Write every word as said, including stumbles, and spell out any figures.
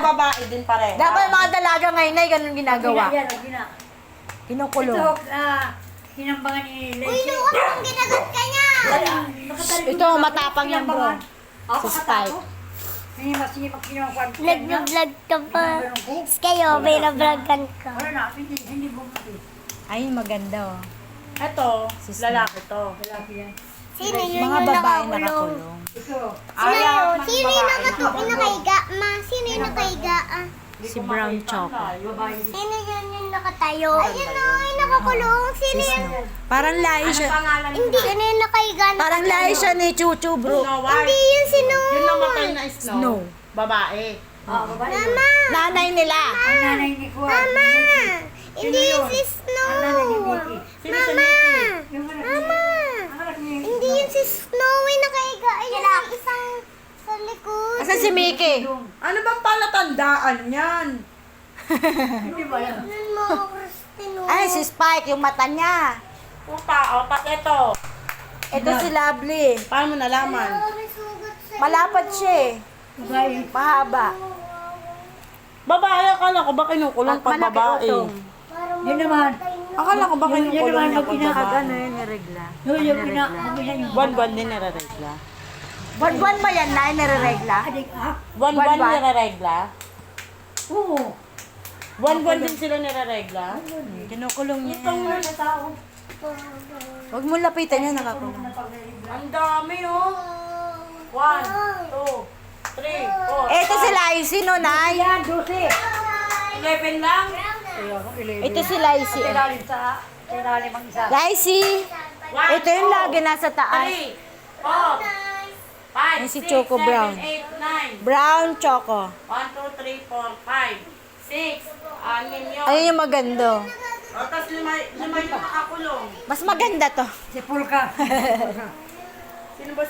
babae din pareho. Dapat mga dalaga ngayon ay ganun ginagawa. Yan, yan, yan. Kinukulong. Ito, ah, hinambangan ni Lacey. Uy, luwag mong ginagat ka niya. Ito, matapang yan, bro. Si Spike. Hindi mas hindi makinukuha. Nag-vlog ka pa. Kayo, may na-vlogan ka. Wala na, hindi, hindi bumati. Ay, maganda oh. Ito, lalaki to. Lalaki yan. Sino yun Mga yung babae nakakulong? nakakulong. Ito, Sino yun? ng Sino yung babae nakatu- yung nakaiga? Ma, sino yung nakaiga? Ah? Hindi Si ko Brown makita Choco. na, yun. babae. Sino yun yung nakatayo? Ayun o, yung nakakulong. Sino Si yun? Snow. Parang lahi Ano siya. pangalan Hindi, nila? ano yung nakaiga? na- Parang lahi siya ni Chuchu, bro. Snow White. Hindi yun si Snow. Yung namatay na snow. Snow. Babae. Ah, babae. Mama! Nanay nila. Ang nanay ni Kuya. Mama! Hindi Sino yun yun? si Snow. Ang nanay ni Mickey. Sino si Mama! Mickey? Yung anak Mama! ni- ang anak ni- Hindi yun si Snow yung nakaiga. Ayun yung isang sa likod. Asan si Mickey? Ano bang palatandaan yan? Hindi ba yan? Tignan mo, Christine. Ay, si Spike, yung mata niya. Puta, o, pas ito. Ito si Lovely. Paano mo nalaman? May sugat sa Malapad siya eh. Babae. Mahaba. Babae, akala ko ba kinukulong At pag malaki babae? utong. Parang Yun naman. Akala ko ba Yun- yun kinukulong naman niya ang pag pinaka- babae? Ano yun, niregla? Yung yung pina, yung pina yung Buwan-buwan din nire-regla. Buwan-buwan ba yan na niregla? adik, ah? Buwan-buwan Buwan-buwan? nire-regla? Oo. Buwan-buwan din sila nire-regla? Kinukulong niya. Ito muna sa tao. Huwag mo lapitan yan, nakakulong. Ang dami, oh. One, two, three, four, Ito si Lacey, no, Nay? Yan, dosi. eleven lang. Ayun, eleven. Ito si Lacey. eh. Kailalim sa, kailalim ang isa. Lacey! One, Ito yung two, lagi nasa taas. three, four, five, Yan si six, Choco seven, Brown. eight, nine. Brown choco. One, two, three, four, five, six, anim yun. Ayun yung maganda. O, tapos lima, lima yung nakakulong. Mas maganda to. Si Pulka. Sino ba